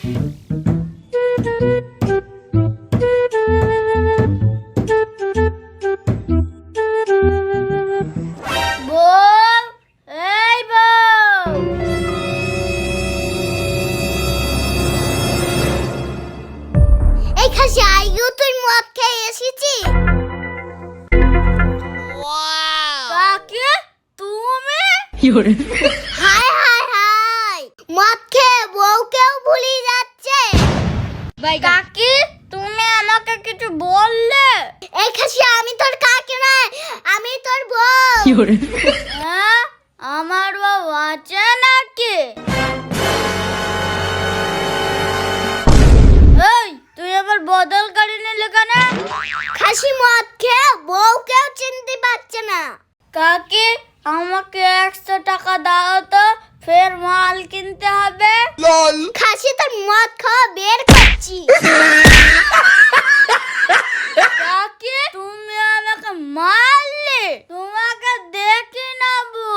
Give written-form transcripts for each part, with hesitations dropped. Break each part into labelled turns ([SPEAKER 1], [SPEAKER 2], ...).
[SPEAKER 1] High high high, মদ খেয়ে বউকেও ভুলে যাচ্ছে। কাকি, তুমি আমাকে কিছু বললে? এই খাসি, আমি তোর কাকি নয়, আমি তোর বউ। হ্যাঁ, আমার বউ আছে নাকি? এই, তুই আবার বদল করে নিলি কেন? খাসি মদ খেয়ে বউকেও চিনতে পারছে না। কাকি, আমাকে 100 টাকা দাও তো, ফের মাল কিনতে হবে। খাসি, তোর মদ খাওয়া বের করছি। কাকি, তুমি আমাকে মারলে, তোমাকে দেখে নেবো।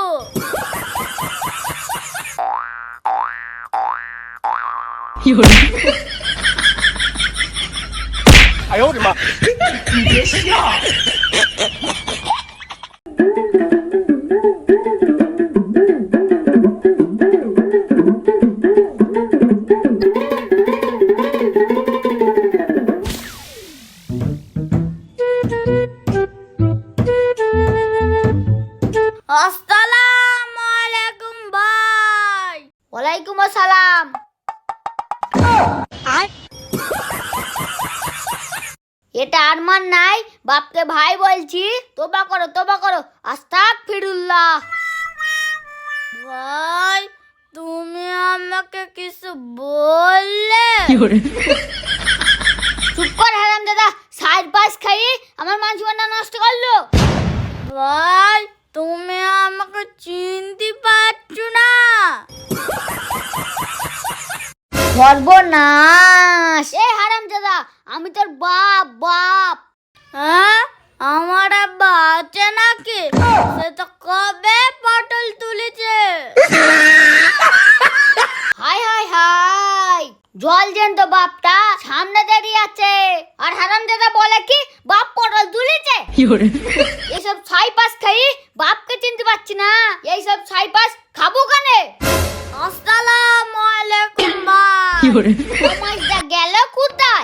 [SPEAKER 1] আসসালামু আলাইকুম ভাই। ওয়ালাইকুম আসসালাম। এটা আরমান নাই, বাপকে ভাই বলছি। তোবা করো, তোবা করো, আস্তাগফিরুল্লাহ। ভাই, তুমি আমাকে কিছু বললে? চুপ কর হারামজাদা, সাইড পাস খাই আমার মান সম্মান নষ্ট করলো। ভাই, তুমি আমাকে চিনতে পারছো না? সর্বনাশ! এ হারামজাদা, আমি তোর বাপ। বাপ? হ্যাঁ, আমার আব্বা আছে নাকি? সে তো কবে পটল তুলেছে। হাই হাই হাই, জল যেন তো বাপটা সামনে দাঁড়িয়ে আছে, আর হারামজাদা বলে কি বাপ পটল তুলেছে। এইসব ছাই পাস খাই বাপকে চিনতে পারছি না, এইসব ছাই পাস খাবো কানে। আসসালামু আলাইকুম ভাই। সমাজটা গেল কোথায়?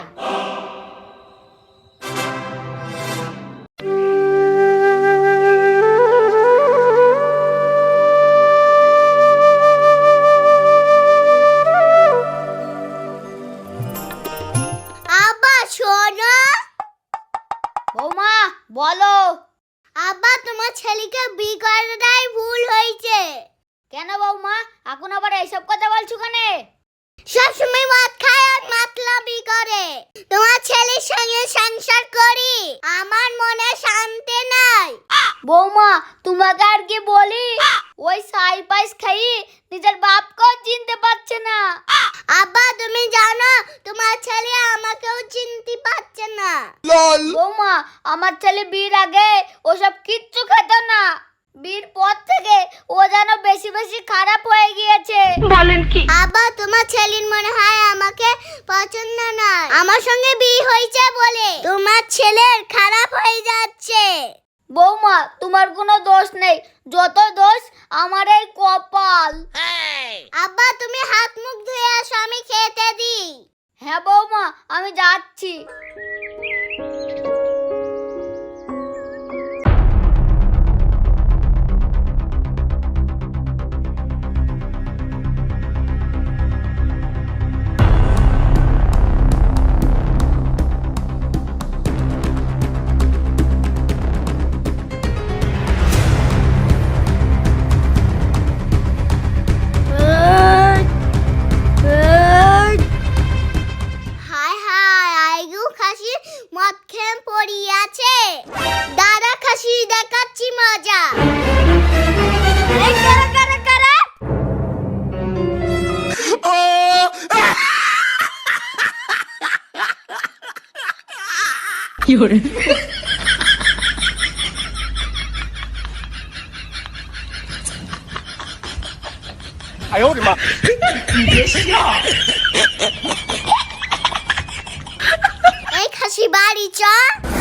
[SPEAKER 1] আব্বা শোনো। বৌমা বলো। আব্বা, তোমার ছেলেকে বিয়ে করাটাই ভুল হয়েছে। কেন বৌমা, এখন আবার এইসব কথা বলছো কেন? সবসময় মদ খায় আর মাতলামি করে। তোমার ছেলের সঙ্গে সংসার করি আমার মনে শান্তি নাই। বৌমা, তোমাকে আর কি বলি, ওই সাই পাইস খাই নিজের বাপকেও চিনতে পারছে না। আব্বা, তুমি জানো তোমার ছেলে আমাকেও চিনতে পারছে না। বৌমা, আমার ছেলে বিয়ের আগে ওসব কিচ্ছু খেত না, বিয়ের পর থেকে ও যেন বেশি বেশি খারাপ হয়ে গিয়েছে। বলেন কি? আব্বা, তোমার ছেলের মনে হয় আমাকে পছন্দ নয়, আমার সঙ্গে বিয়ে হয়েছে বলে তোমার ছেলের খারাপ হয়ে যাচ্ছে। বৌমা, তোমার কোনো দোষ নেই, যত দোষ আমার এই কপাল। আব্বা, তুমি হাত মুখ ধুয়ে আসো, আমি খেতে দিই। হ্যাঁ বৌমা, আমি যাচ্ছি। মদ খেয়ে পড়িয়ে আছে, দাদা খাসি দেখাচ্ছি মজা। এই কারা কারা কারা?
[SPEAKER 2] 哎呦我的妈！
[SPEAKER 1] এই খাসি বাড়ি চ